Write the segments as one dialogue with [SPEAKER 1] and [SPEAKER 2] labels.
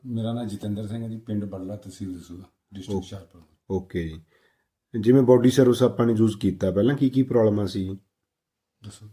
[SPEAKER 1] ਮੇਰਾ ਨਾਮ ਜਤਿੰਦਰ ਸਿੰਘ ਹੈ ਜੀ, ਪਿੰਡ ਬੜਲਾ, ਤਹਿਸੀਲ ਦਸੂਹਾ, ਡਿਸਟ੍ਰਿਕਟ ਹੁਸ਼ਿਆਰਪੁਰ।
[SPEAKER 2] ਓਕੇ ਜੀ। ਜਿਵੇਂ ਬੋਡੀ ਸਰਵਿਸ ਆਪਾਂ ਨੇ ਯੂਜ਼ ਕੀਤਾ, ਪਹਿਲਾਂ ਕੀ ਪ੍ਰੋਬਲਮਾਂ ਸੀ
[SPEAKER 1] ਦੱਸੋ।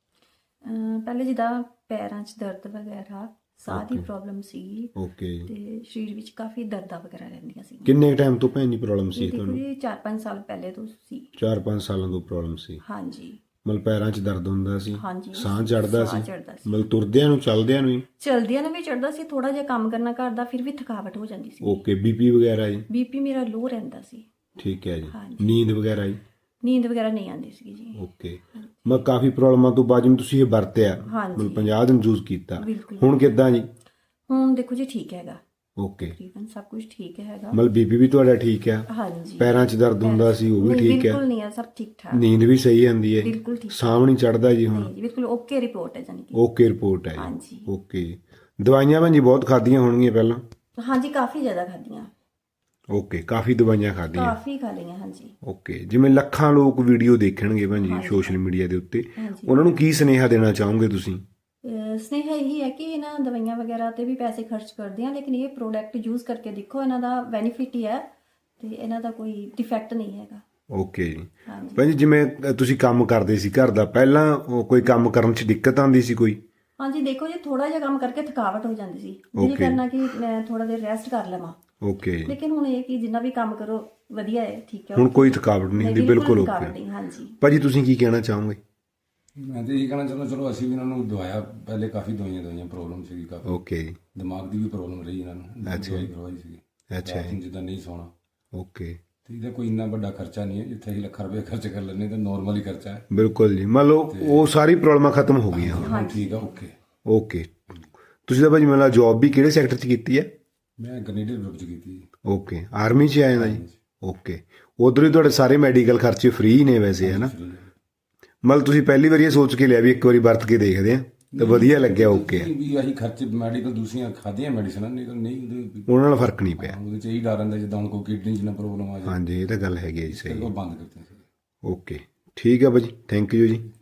[SPEAKER 3] ਪਹਿਲੇ ਜਿੱਦਾਂ ਪੈਰਾਂ 'ਚ ਦਰਦ ਵਗੈਰਾ, ਸਾਹ ਦੀ ਪ੍ਰੋਬਲਮ ਸੀ
[SPEAKER 2] ਓਕੇ।
[SPEAKER 3] ਤੇ ਸਰੀਰ ਵਿੱਚ ਕਾਫੀ ਦਰਦਾਂ ਵਗੈਰਾ ਰਹਿੰਦੀਆਂ ਸੀ।
[SPEAKER 2] ਕਿੰਨੇ ਟਾਈਮ ਤੋਂ ਭੈਣ ਜੀ ਪ੍ਰੋਬਲਮ ਸੀ
[SPEAKER 3] ਦੇਖੋ
[SPEAKER 2] ਤੁਹਾਨੂੰ?
[SPEAKER 3] ਜੀ 4-5 ਸਾਲ ਪਹਿਲੇ ਤੋਂ ਸੀ।
[SPEAKER 2] 4-5 ਸਾਲਾਂ ਤੋਂ ਪ੍ਰੋਬਲਮ ਸੀ।
[SPEAKER 3] ਹਾਂਜੀ
[SPEAKER 2] ਮਤਲਬ ਪੈਰਾਂ 'ਚ ਦਰਦ ਹੁੰਦਾ ਸੀ,
[SPEAKER 3] ਹਾਂਜੀ,
[SPEAKER 2] ਸਾਹ ਚੜਦਾ
[SPEAKER 3] ਸਾਹ
[SPEAKER 2] ਸੀ,
[SPEAKER 3] ਚੜ੍ਹਦਾ ਸੀ।
[SPEAKER 2] ਮਤਲਬ ਤੁਰਦਿਆਂ ਨੂੰ ਚਲਦਿਆਂ ਨੂੰ ਹੀ?
[SPEAKER 3] ਚਲਦਿਆਂ ਨੂੰ ਵੀ ਚੜਦਾ ਸੀ, ਥੋੜਾ ਜਿਹਾ ਕੰਮ ਕਰਨਾ ਘਰ ਦਾ, ਫਿਰ ਵੀ ਥਕਾਵਟ ਹੋ ਜਾਂਦੀ ਸੀ।
[SPEAKER 2] ਓਕੇ। ਬੀਪੀ ਵਗੈਰਾ ਜੀ?
[SPEAKER 3] ਬੀਪੀ ਮੇਰਾ ਲੋ ਰਹਿੰਦਾ ਸੀ।
[SPEAKER 2] ਠੀਕ ਹੈ ਜੀ।
[SPEAKER 3] ਹਾਂਜੀ।
[SPEAKER 2] ਨੀਂਦ ਵਗੈਰਾ ਜੀ?
[SPEAKER 3] ਨੀਂਦ ਵਗੈਰਾ ਨਹੀਂ ਆਉਂਦੀ ਸੀ ਜੀ।
[SPEAKER 2] ਓਕੇ। ਮੈਂ ਕਾਫੀ ਪ੍ਰੋਬਲਮਾਂ ਤੋਂ ਬਾਅਦ ਜਿਵੇਂ ਤੁਸੀਂ ਇਹ ਵਰਤਿਆ,
[SPEAKER 3] ਹਾਂਜੀ।
[SPEAKER 2] ਮਤਲਬ 50 ਦਿਨ ਯੂਜ਼ ਕੀਤਾ,
[SPEAKER 3] ਬਿਲਕੁਲ।
[SPEAKER 2] ਹੁਣ ਕਿੱਦਾਂ ਜੀ?
[SPEAKER 3] ਹੁਣ ਦੇਖੋ ਜੀ ਠੀਕ ਹੈਗਾ,
[SPEAKER 2] ਓਕੇ।
[SPEAKER 3] ਤਕਰੀਬਨ ਸਭ ਕੁਝ ਠੀਕ ਹੈਗਾ।
[SPEAKER 2] ਮਤਲਬ ਬੀਪੀ ਵੀ ਤੁਹਾਡਾ ਠੀਕ ਆ?
[SPEAKER 3] ਹਾਂਜੀ।
[SPEAKER 2] ਪੈਰਾਂ 'ਚ ਦਰਦ ਹੁੰਦਾ ਸੀ ਉਹ ਵੀ
[SPEAKER 3] ਨਹੀਂ,
[SPEAKER 2] ਠੀਕ ਆ?
[SPEAKER 3] ਬਿਲਕੁਲ ਨਹੀਂ ਹੈ, ਸਭ ਠੀਕ ਠਾਕ।
[SPEAKER 2] ਨੀਂਦ ਵੀ ਸਹੀ ਆਉਂਦੀ ਹੈ?
[SPEAKER 3] ਬਿਲਕੁਲ ਠੀਕ।
[SPEAKER 2] ਸਾਹ ਨਹੀਂ ਚੜਦਾ ਜੀ ਹੁਣ?
[SPEAKER 3] ਨਹੀਂ ਜੀ, ਬਿਲਕੁਲ ਓਕੇ ਰਿਪੋਰਟ ਹੈ ਜਾਨੀ ਕਿ।
[SPEAKER 2] ਓਕੇ ਰਿਪੋਰਟ ਹੈ ਜੀ।
[SPEAKER 3] ਹਾਂਜੀ।
[SPEAKER 2] ਓਕੇ। ਦਵਾਈਆਂ ਭਾਜੀ ਬਹੁਤ ਖਾਧੀਆਂ ਹੋਣਗੀਆਂ ਪਹਿਲਾਂ?
[SPEAKER 3] ਹਾਂਜੀ, ਕਾਫੀ ਜ਼ਿਆਦਾ ਖਾਧੀਆਂ।
[SPEAKER 2] ਓਕੇ, ਕਾਫੀ ਦਵਾਈਆਂ ਖਾਧੀਆਂ?
[SPEAKER 3] ਕਾਫੀ ਖਾ ਲਈਆਂ, ਹਾਂਜੀ।
[SPEAKER 2] ਓਕੇ। ਜਿਵੇਂ ਲੱਖਾਂ ਲੋਕ ਵੀਡੀਓ ਦੇਖਣਗੇ ਭਾਜੀ ਸੋਸ਼ਲ ਮੀਡੀਆ ਦੇ ਉੱਤੇ, ਉਹਨਾਂ ਨੂੰ ਕੀ ਸੁਨੇਹਾ ਦੇਣਾ ਚਾਹੋਗੇ ਤੁਸੀਂ?
[SPEAKER 3] ਸਨੇਹਾ ਇਹੀ ਹੈ ਕਿ ਇਹਨਾਂ ਦਵਾਈਆਂ ਵਗੈਰਾ ਤੇ ਵੀ ਪੈਸੇ ਖਰਚ ਕਰਦੇ ਆ, ਲੇਕਿਨ ਇਹ ਪ੍ਰੋਡਕਟ ਯੂਜ਼ ਕਰਕੇ ਦੇਖੋ, ਇਹਨਾਂ ਦਾ ਬੈਨੀਫਿਟ ਹੀ ਹੈ ਤੇ ਇਹਨਾਂ ਦਾ ਕੋਈ ਡਿਫੈਕਟ ਨਹੀਂ ਹੈਗਾ।
[SPEAKER 2] ਓਕੇ ਜੀ।
[SPEAKER 3] ਹਾਂਜੀ।
[SPEAKER 2] ਭਾਜੀ ਜਿਵੇਂ ਤੁਸੀਂ ਕੰਮ ਕਰਦੇ ਸੀ ਘਰ ਦਾ, ਪਹਿਲਾਂ ਕੋਈ ਕੰਮ ਕਰਨ 'ਚ ਦਿੱਕਤ ਆਉਂਦੀ ਸੀ ਕੋਈ?
[SPEAKER 3] ਹਾਂਜੀ, ਦੇਖੋ ਜੀ ਥੋੜਾ ਜਿਹਾ ਕੰਮ ਕਰਕੇ ਥਕਾਵਟ ਹੋ ਜਾਂਦੀ ਸੀ, ਦਿਲ ਕਰਨਾ ਕਿ ਮੈਂ ਥੋੜਾ ਦੇਰ ਰੈਸਟ ਕਰ ਲਵਾਂ।
[SPEAKER 2] ਓਕੇ।
[SPEAKER 3] ਲੇਕਿਨ ਹੁਣ ਇਹ ਕਿ ਜਿੰਨਾ ਵੀ ਕੰਮ ਕਰੋ ਵਧੀਆ ਹੈ, ਠੀਕ ਹੈ।
[SPEAKER 2] ਹੁਣ ਕੋਈ ਥਕਾਵਟ ਨਹੀਂ ਹੁੰਦੀ? ਬਿਲਕੁਲ
[SPEAKER 3] ਥਕਾਵਟ
[SPEAKER 2] ਓਕੇ।
[SPEAKER 3] ਨਹੀਂ, ਹਾਂਜੀ।
[SPEAKER 2] ਭਾਜੀ ਤੁਸੀਂ ਕੀ ਕਹਿਣਾ ਚਾਹੋਗੇ?
[SPEAKER 1] ਮੈਂ ਤਾਂ ਇਹੀ ਕਹਿਣਾ ਚਾਹੁੰਦਾ, ਚਲੋ ਅਸੀਂ ਵੀ ਇਹਨਾਂ ਨੂੰ ਦਵਾਇਆ, ਪਹਿਲੇ ਕਾਫੀ ਦਵਾਈਆਂ ਪ੍ਰੋਬਲਮ ਸੀਗੀ, ਕਾਫੀ
[SPEAKER 2] ਓਕੇ।
[SPEAKER 1] ਦਿਮਾਗ ਦੀ ਵੀ ਪ੍ਰੋਬਲਮ ਰਹੀ ਇਹਨਾਂ ਨੂੰ, ਦਵਾਈ ਕਰਵਾਈ ਸੀਗੀ।
[SPEAKER 2] ਅੱਛਾ
[SPEAKER 1] ਰਾਤ ਨੂੰ ਜਿੱਦਾਂ ਨਹੀਂ ਸੌਣਾ।
[SPEAKER 2] ਓਕੇ।
[SPEAKER 1] ਤੇ ਇਹਦਾ ਕੋਈ ਇੰਨਾ ਵੱਡਾ ਖਰਚਾ ਨਹੀਂ ਹੈ, ਜਿੱਥੇ ਅਸੀਂ ਲੱਖਾਂ ਰੁਪਏ ਖਰਚ ਕਰ ਲੈਂਦੇ ਤਾਂ ਨੋਰਮਲ ਹੀ ਖਰਚਾ ਹੈ।
[SPEAKER 2] ਬਿਲਕੁਲ ਜੀ। ਮੰਨ ਲਓ ਉਹ ਸਾਰੀ ਪ੍ਰੋਬਲਮਾਂ ਖਤਮ ਹੋ ਗਈਆਂ ਹੁਣ?
[SPEAKER 1] ਹਾਂ ਠੀਕ ਆ, ਓਕੇ।
[SPEAKER 2] ਓਕੇ। ਤੁਸੀਂ ਤਾਂ ਭਾਜੀ ਮੈਨੂੰ ਲੱਗਦਾ ਜੌਬ ਵੀ ਕਿਹੜੇ ਸੈਕਟਰ 'ਚ ਕੀਤੀ ਹੈ?
[SPEAKER 1] ਮੈਂ ਕੈਨੇਡੀਅਨ ਗਰੁੱਪ 'ਚ ਕੀਤੀ ਜੀ।
[SPEAKER 2] ਓਕੇ। ਆਰਮੀ 'ਚ ਆਏ ਨਾ ਜੀ? ਓਕੇ। ਉਧਰ ਹੀ ਤੁਹਾਡੇ ਸਾਰੇ ਮੈਡੀਕਲ ਖਰਚੇ ਫ੍ਰੀ ਨੇ ਵੈਸੇ, ਹੈ ਨਾ? ਮਤਲਬ ਤੁਸੀਂ ਪਹਿਲੀ ਵਾਰੀ ਇਹ ਸੋਚ ਕੇ ਲਿਆ ਵੀ ਇੱਕ ਵਾਰੀ ਵਰਤ ਕੇ ਦੇਖਦੇ ਆ, ਤੇ ਵਧੀਆ ਲੱਗਿਆ? ਓਕੇ।
[SPEAKER 1] ਵੀ ਅਸੀਂ ਖਰਚੇ ਮੈਡੀਕਲ ਦੂਸਰੀਆਂ ਖਾਧੀਆਂ ਮੈਡੀਸਨਾਂ, ਨਹੀਂ ਤਾਂ ਨਹੀਂ
[SPEAKER 2] ਉਹਨਾਂ ਨਾਲ ਫਰਕ ਨਹੀਂ ਪਿਆ?
[SPEAKER 1] ਉਹਦੇ 'ਚ ਇਹੀ ਡਰ ਰਹਿੰਦਾ ਜਿੱਦਾਂ ਹੁਣ ਕੋਈ ਕਿਡਨੀ 'ਚ ਨਾ ਪ੍ਰੋਬਲਮ ਆ ਜਾਏ।
[SPEAKER 2] ਹਾਂਜੀ, ਇਹ ਤਾਂ ਗੱਲ ਹੈਗੀ ਹੈ ਜੀ, ਸਹੀ।
[SPEAKER 1] ਉਹ ਬੰਦ ਕਰਤੇ ਸੀ।
[SPEAKER 2] ਓਕੇ, ਠੀਕ ਹੈ ਭਾਜੀ, ਥੈਂਕ ਯੂ ਜੀ।